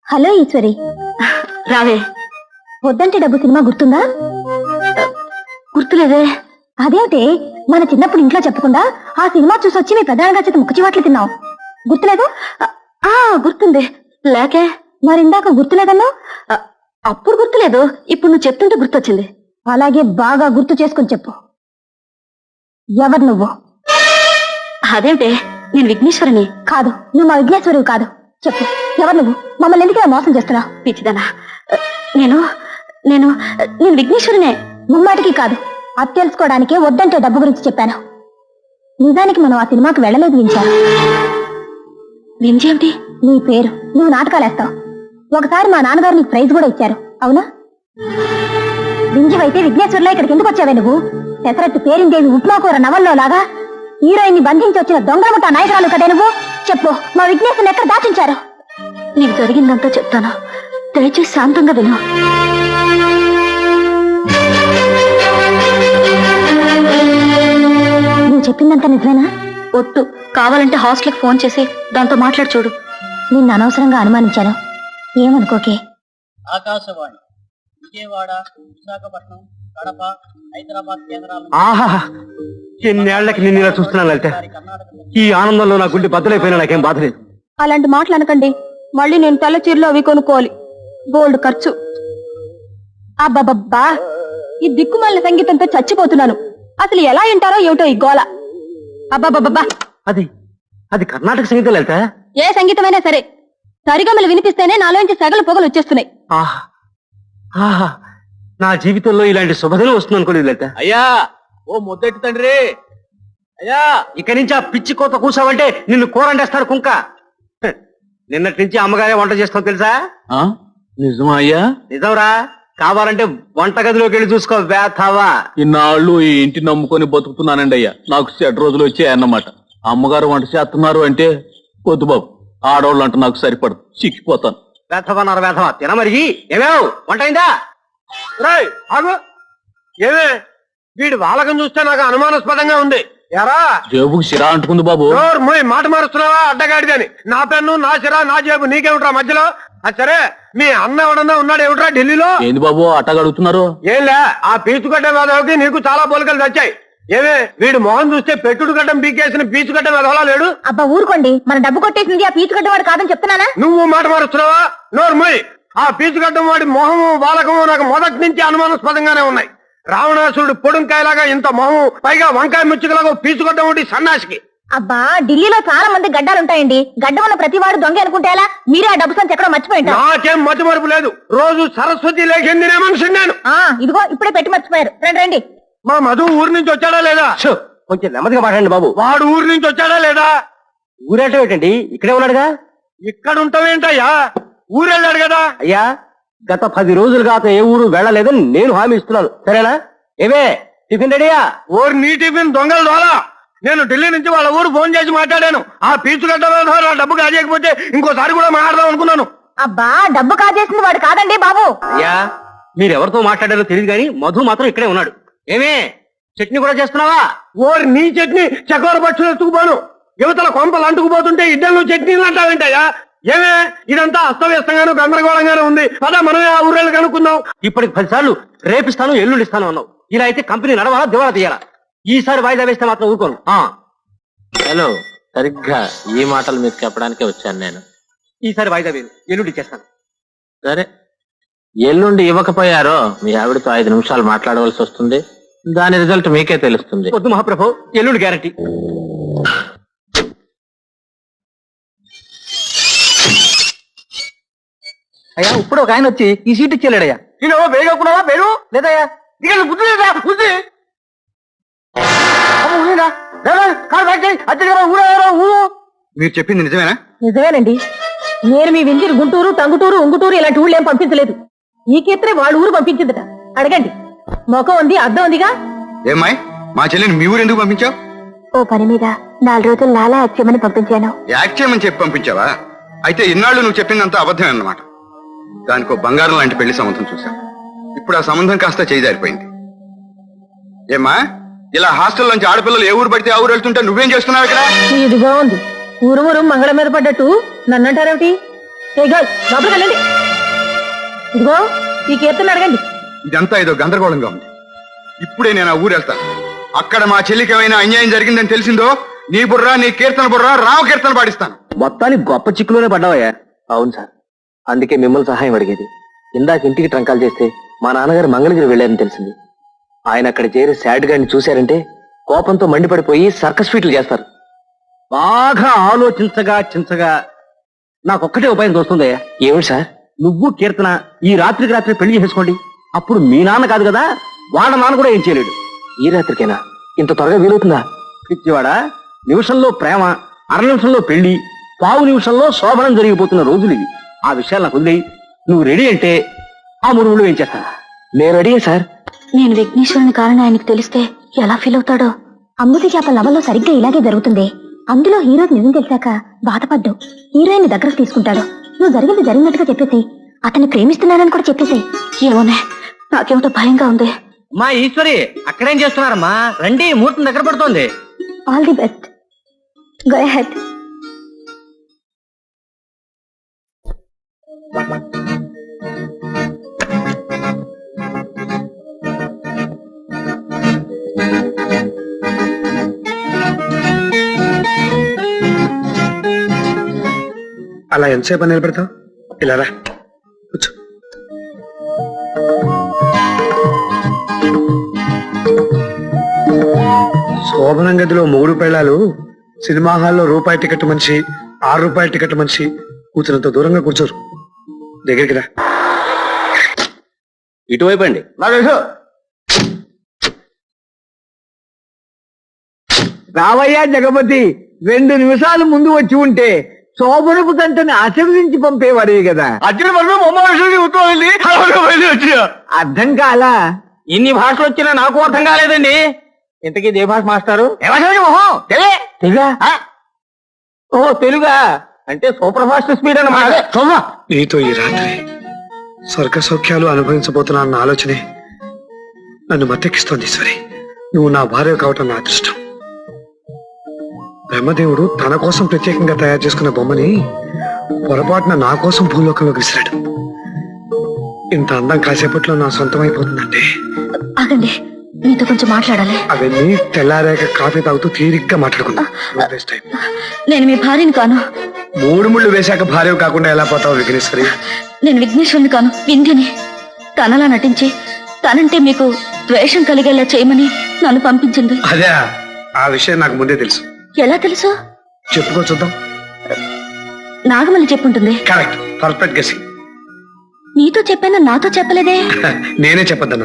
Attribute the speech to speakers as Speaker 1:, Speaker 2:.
Speaker 1: Hello Eshwari,
Speaker 2: రావే.
Speaker 1: వద్దంటే డబ్బు సినిమా గుర్తుందా?
Speaker 2: గుర్తులేదే.
Speaker 1: అదేంటే, మన చిన్నప్పుడు ఇంట్లో చెప్పకుండా ఆ సినిమా చూసి వచ్చి మీ ప్రధానంగా చేత ముక్కు చివాట్లు తిన్నావు. గుర్తులేదు?
Speaker 2: గుర్తుంది. లేకే.
Speaker 1: మరిందాక గుర్తులేదన్నా?
Speaker 2: అప్పుడు గుర్తులేదు, ఇప్పుడు నువ్వు చెప్తుంటే గుర్తొచ్చింది.
Speaker 1: అలాగే బాగా గుర్తు చేసుకుని చెప్పు. ఎవరు నువ్వు?
Speaker 2: అదేంటే, నేను విఘ్నేశ్వరిని.
Speaker 1: కాదు, నువ్వు మా విఘ్నేశ్వరివి కాదు. చెప్పు, ఎవరు నువ్వు? మమ్మల్ని ఎందుకు ఇలా మోసం చేస్తున్నావు?
Speaker 2: పిచ్చిదనా, నేను నేను నేను విఘ్నేశ్వరినే.
Speaker 1: ముమ్మాటికి కాదు, అది తెలుసుకోవడానికే వద్దంటే డబ్బు గురించి చెప్పాను. నిజానికి మనం ఆ సినిమాకి వెళ్ళలేదు వించా.
Speaker 2: వింజేమిటి?
Speaker 1: నీ పేరు, నువ్వు నాటకాలేస్తావు. ఒకసారి మా నాన్నగారు నీకు ప్రైజ్ కూడా ఇచ్చారు, అవునా? వింజవైతే విఘ్నేశ్వరిలో ఇక్కడికి ఎందుకు వచ్చావే నువ్వు? పెసరట్టు పేరిందేవి ఉప్మాకూర నవల్లో లాగా హీరోయిన్ ని బంధించి వచ్చిన దొంగలముఠ నాయకురాలు కదే నువ్వు. చెప్పు, మా విఘ్నేశ్వరిని ఎక్కడ దాచించారు?
Speaker 2: నీకు జరిగిందంతా చెప్తాను, దయచేసి శాంతంగా విను.
Speaker 1: నువ్వు చెప్పిందంతా నిజమేనా?
Speaker 2: ఒట్టు. కావాలంటే హాస్టల్కి ఫోన్ చేసి దాంతో మాట్లాడి చూడు.
Speaker 1: నిన్ను అనవసరంగా అనుమానించాను, ఏమనుకోకే.
Speaker 3: ఆకాశవాణి విజయవాడ, విశాఖపట్నం, కడప, హైదరాబాద్ కేంద్రాలు.
Speaker 4: ఆహా, ఎన్నేళ్లకి నిన్ను ఇలా చూస్తున్నాను లలిత. ఈ ఆనందంలో నా గుండె బద్దలైపోయినా నాకేం బాధ లేదు.
Speaker 1: అలాంటి మాటలు అనకండి. మళ్ళీ నేను తెల్ల చీరలు అవి కొనుక్కోవాలి, బోల్డ్ ఖర్చు. అబ్బబ్బబ్బా, ఈ దిక్కుమాలిన సంగీతంతో చచ్చిపోతున్నాను. అసలు ఎలా వింటారో ఏమిటో ఈ గోల. అబ్బబ్బబ్బా,
Speaker 4: అది అది కర్ణాటక సంగీతం లలిత.
Speaker 1: ఏ సంగీతమైనా సరే సరిగమలు వినిపిస్తేనే నాలోంచి సగల పొగలు వచ్చేస్తున్నాయి.
Speaker 4: ఆహా ఆహా, నా జీవితంలో ఇలాంటి శుభదినం వస్తుంది అనుకోలేదు లలిత.
Speaker 3: అయ్యా, ఓ ముద్దెట్టి తండ్రి. అయ్యా,
Speaker 4: ఇక్కడి నుంచి ఆ పిచ్చి కోత కూసావంటే నిన్ను కూరండేస్తారు కుంక. హ, నిన్నటి నుంచి అమ్మగారే వంట చేస్తాం తెలుసా?
Speaker 3: నిజమా అయ్యా?
Speaker 4: నిజంరా, కావాలంటే వంటగదిలోకి వెళ్ళి చూసుకో వేతావా.
Speaker 3: ఇన్నాళ్ళు ఈ ఇంటి నమ్ముకొని బతుకుతున్నానండి అయ్యా. నాకు చెడ్డ రోజులు వచ్చాయన్నమాట. అమ్మగారు వంట చేస్తున్నారు అంటే వద్దు బాబు, ఆడవాళ్ళు అంటే నాకు సరిపడదు, చిక్కిపోతాను.
Speaker 4: వేతవన్నారు వేతవా, తినమరిగి ఏమేవ్ వంట అయిందా? ఆగు, ఏమే వీడి వాలకం చూస్తే నాకు అనుమానాస్పదంగా ఉంది. ఎరా
Speaker 3: జేబుకు సిరా అంటుకుంది బాబు.
Speaker 4: మాట మారుస్తున్నావా అడ్డగాడిదని? నా పెన్ను, నా సిరా, నా జేబు నీకేమిట్రా మధ్యలో? సరే, మీ అన్న ఎవడన్నా ఉన్నాడు ఏమిట్రా ఢిల్లీలో?
Speaker 3: ఏంది బాబు అట్టగా అడుగుతున్నారు?
Speaker 4: ఏంలే, ఆ పీచుకట్టే వేదవకి నీకు చాలా పోలికలు తెచ్చాయి. ఏమే వీడు మొహం చూస్తే పెట్టుడు గడ్డం పీకేసిన పీచుకట్టే వేదవలా లేడు?
Speaker 1: అబ్బా ఊరుకోండి, మన డబ్బు కొట్టేసింది ఆ పీచుగడ్డ వాడు కాదని చెప్తున్నానా?
Speaker 4: నువ్వు మాట మారుస్తున్నావా? నోర్మోయ్, ఆ పీచుగడ్డం వాడి మొహము వాలకము నాకు మొదటి నుంచి అనుమానాస్పదంగానే ఉన్నాయి. రావణాసురుడు పొడుంకాయలాగా ఇంత మొహము, పైగా వంకాయ ముచ్చుకలాగా పీచుగడ్డం ఒకటి సన్నాసికి.
Speaker 1: అబ్బా, ఢిల్లీలో చాలా మంది గడ్డాలుంటాయండి. గడ్డ ఉన్న ప్రతి వాడు దొంగ అనుకుంటే ఎలా? మీరే ఆ డబ్బు సంచి ఎక్కడో మర్చిపోయింటారు.
Speaker 4: నాకేం మతి మరుపు లేదు, రోజు సరస్వతి లేఖింది నే మనిషి నేను.
Speaker 1: ఇదిగో ఇప్పుడే పెట్టి మర్చిపోయారు. రండి రండి.
Speaker 4: మా మధు ఊరు నుంచి వచ్చాడా లేదా? కొంచెం నెమ్మదిగా మాట్లాడండి బాబు. వాడు ఊరు నుంచి వచ్చాడా లేదా? ఊరేటం ఏంటండి, ఇక్కడే ఉన్నాడుగా. ఇక్కడ ఉంటావేంటయ్యా, ఊరెళ్ళాడు కదా. అయ్యా, గత 10 రోజులుగా అతను ఏ ఊరు వెళ్ళలేదని నేను హామీ ఇస్తున్నాను, సరేనా? ఏమే టిఫిన్ రెడీయా? ఊరు నీ టిఫిన్ దొంగలు దోలా. నేను ఢిల్లీ నుంచి వాళ్ళ ఊరు ఫోన్ చేసి మాట్లాడాను. ఆ పీచుగడ్డ డబ్బు కాజేయకపోతే ఇంకోసారి కూడా మాట్లాడదాం అనుకున్నాను.
Speaker 1: అబ్బా, డబ్బు కాజేసింది వాడు కాదండి బాబు.
Speaker 4: అయ్యా, మీరెవరితో మాట్లాడారో తెలియదు కానీ మధు మాత్రం ఇక్కడే ఉన్నాడు. ఏమే చట్నీ కూడా చేస్తున్నావా? ఓరి నీ చట్నీ చకోర పక్షులు ఎత్తుకుపోను. యువతల కొంపలు అంటుకుపోతుంటే ఇద్దరు చట్నీలు అంటావేంటయ్యా? ఏమే ఇదంతా అస్తవ్యస్తంగాను గందరగోళంగానే ఉంది. పదా మనమే ఆ ఊరేళ్ళు కనుక్కుందాం. ఇప్పటికి 10 సార్లు రేపిస్తాను ఎల్లుండి ఇస్తాను అన్నావు. ఇలా అయితే కంపెనీ నడవాలా దివాలా తీయాలా? ఈసారి వాయిదా వేస్తే మాత్రం ఊరుకోను.
Speaker 5: హలో, సరిగ్గా ఈ మాటలు మీకు చెప్పడానికే వచ్చాను నేను.
Speaker 4: ఈసారి వాయిదా వేరు, ఎల్లుండి ఇచ్చేస్తాను.
Speaker 5: సరే, ఎల్లుండి ఇవ్వకపోయారో మీ ఆవిడతో 5 నిమిషాలు మాట్లాడవలసి వస్తుంది. దాని రిజల్ట్ మీకే తెలుస్తుంది.
Speaker 4: వద్దు మహాప్రభు, ఎల్లుండి గ్యారంటీ.
Speaker 6: అయ్యా, ఇప్పుడు ఒక ఆయన వచ్చి ఈ సీట్ ఇచ్చేలేడయ్యా.
Speaker 4: నేను వేగకున్నావా? వేరు
Speaker 6: లేదయ్యా.
Speaker 4: ఇక బుద్ధి లేదా? బుద్ధి మీరు చెప్పింది నిజమేనా?
Speaker 1: నిజమేనండి. నేను మీ వింజూరు గుంటూరు, టంగుటూరు, ఉంగుటూరు ఇలాంటి ఊళ్ళు ఏం పంపించలేదు. ఈ కేత్రే వాళ్ళ ఊరు పంపించిందట. అడగండి, మొఖం ఉంది, అద్దం ఉందిగా.
Speaker 7: ఏమ్మాయి, మా చెల్లిని మీ ఊరు ఎందుకు పంపించావు?
Speaker 1: ఓ పని మీద 4 రోజులు నాలా యాక్ట్ పంపించాను.
Speaker 7: యాక్ట్ చేయమని చెప్పి పంపించావా? అయితే ఇన్నాళ్ళు నువ్వు చెప్పిందంతా అబద్ధమే అన్నమాట. దానికో బంగారం లాంటి పెళ్లి సంబంధం చూశాను. ఇప్పుడు ఆ సంబంధం కాస్త చేజారిపోయింది. ఏమ్మా, ఇలా హాస్టల్ నుంచి ఆడపిల్లలు ఏ ఊరు పడితే ఆ ఊరు వెళ్తుంటే నువ్వేం చేస్తున్నావు ఇక్కడ?
Speaker 1: ఇది బాగుంది. ఊరు ఊరు మంగళం మీద పడ్డట్టు నన్నంటారేమిటి?
Speaker 6: ఏ గర్ల్ లోపలికి వెళ్ళండి. ఇదిగో ఈ కీర్తన అడగండి.
Speaker 7: ఇదంతా ఏదో గందరగోళంగా ఉంది. ఇప్పుడే నేను ఆ ఊరు వెళ్తాను. అక్కడ మా చెల్లికి ఏమైనా అన్యాయం జరిగిందని తెలిసిందో నీ బుర్ర, నీ కీర్తన బుర్ర, రామ కీర్తన పాడిస్తాను.
Speaker 4: మొత్తానికి గొప్ప చిక్కులోనే పడ్డావయ్యా.
Speaker 5: అవును సార్, అందుకే మిమ్మల్ని సహాయం అడిగేది. ఇందాక ఇంటికి ట్రంకాలు చేస్తే మా నాన్నగారు మంగళగిరి వెళ్ళారని తెలిసింది. ఆయన అక్కడ చేరి శాడ్ గారిని చూశారంటే కోపంతో మండిపడిపోయి సర్కస్ ఫీట్లు చేస్తారు.
Speaker 4: బాగా ఆలోచించగా చించగా నాకొక్కటే ఉపాయం తోస్తుందయ్యా.
Speaker 5: ఏమిటి సార్?
Speaker 4: నువ్వు కీర్తన ఈ రాత్రికి రాత్రి పెళ్లి చేసుకోండి. అప్పుడు మీ నాన్న కాదు కదా, వాళ్ళ నాన్న కూడా ఏం చేయలేడు.
Speaker 5: ఈ రాత్రికేనా? ఇంత త్వరగా వీలవుతుందా?
Speaker 4: పిచ్చివాడా, నిమిషంలో ప్రేమ, అర నిమిషంలో పెళ్లి, పావు నిమిషంలో శోభనం జరిగిపోతున్న రోజులు ఇవి. ఆ విషయాలు నాకు వదిలేయి. నువ్వు రెడీ అంటే ఆ మురుగులు ఏం చేస్తా.
Speaker 5: నేను రెడీ సార్.
Speaker 2: నేను విఘ్నేశ్వరుని కారణం ఆయనకు తెలిస్తే ఎలా ఫీల్ అవుతాడో.
Speaker 1: అమృతి చేప లవల్లో సరిగ్గా ఇలాగే జరుగుతుంది. అందులో హీరోకి నిజం తెలిసాక బాధపడ్డు హీరోయిన్ దగ్గరకు తీసుకుంటాడు. నువ్వు జరిగింది జరిగినట్టుగా చెప్పేసి అతన్ని ప్రేమిస్తున్నానని కూడా చెప్పేసి.
Speaker 2: ఏమోనే, నాకేమిటో భయంగా ఉంది.
Speaker 4: మా ఈశ్వరి అక్కడేం చేస్తున్నారమ్మా? రండి, ముహూర్తం దగ్గర పడుతోంది.
Speaker 1: All the best, go ahead.
Speaker 8: అలా ఎంతసేపు నిలబెడతావు? ఇలా రా, కూర్చో. శోభనం గదిలో 3 పెళ్ళాలు, సినిమా హాల్లో రూపాయి టికెట్ మనిషి, 6 రూపాయల టికెట్ మనిషి కూర్చున్నంత దూరంగా కూర్చోరు. దగ్గరికి రా.
Speaker 4: ఇటువైపు అండి.
Speaker 6: రావయ్యా జగపతి, 2 నిమిషాలు ముందు వచ్చి ఉంటే శోభనపు తంటని ఆశీర్వదించి పంపేవాడే కదా. అర్థం కాలా?
Speaker 4: ఇన్ని భాషలు వచ్చినా నాకు అర్థం కాలేదండి. ఇంతకీ ఏ భాష మాస్టారు? తెలుగా? ఓ తెలుగా అంటే సూపర్ ఫాస్ట్ స్పీడ్ అన్నమాట.
Speaker 8: నీతో ఈ రాత్రి స్వర్గ సౌఖ్యాలు అనుభవించబోతున్నా అన్న ఆలోచనే నన్ను మత్తెక్కిస్తోంది. ఈశ్వరి, నువ్వు నా భార్య కావటం నా అదృష్టం. బ్రహ్మదేవుడు తన కోసం ప్రత్యేకంగా తయారు చేసుకున్న బొమ్మని పొరపాటున నా కోసం భూలోకంలోకి విసిరాడు. ఇంత అందం కాసేపట్లో నా సొంతమైపోతుందంటే
Speaker 2: ఆగండి, మీతో కొంచెం మాట్లాడాలి.
Speaker 8: అవన్నీ తెల్లారాక కాఫీ తాగుతూ తీరిగ్గా మాట్లాడుకుందాం.
Speaker 2: నేను మీ భార్యని కాను.
Speaker 8: 3 ముళ్ళు వేశాక భార్య కాకుండా ఎలా పోతావు విఘ్నేశ్వరి?
Speaker 2: నేను విఘ్నేశ్వరుని కాను, వింధ్యని. తనలా నటించి తనంటే మీకు ద్వేషం కలిగేలా చేయమని నన్ను పంపించింది.
Speaker 8: అదే, ఆ విషయం నాకు ముందే తెలుసు.
Speaker 2: ఎలా తెలుసు?
Speaker 8: చెప్పుకో చూద్దాం.
Speaker 2: నాగమల్లి చెప్పుంటుంది.
Speaker 8: Correct, perfect guessing.
Speaker 2: నీతో చెప్పాను, నాతో చెప్పలేదే.
Speaker 8: నేనే చెప్పొద్దన్నా.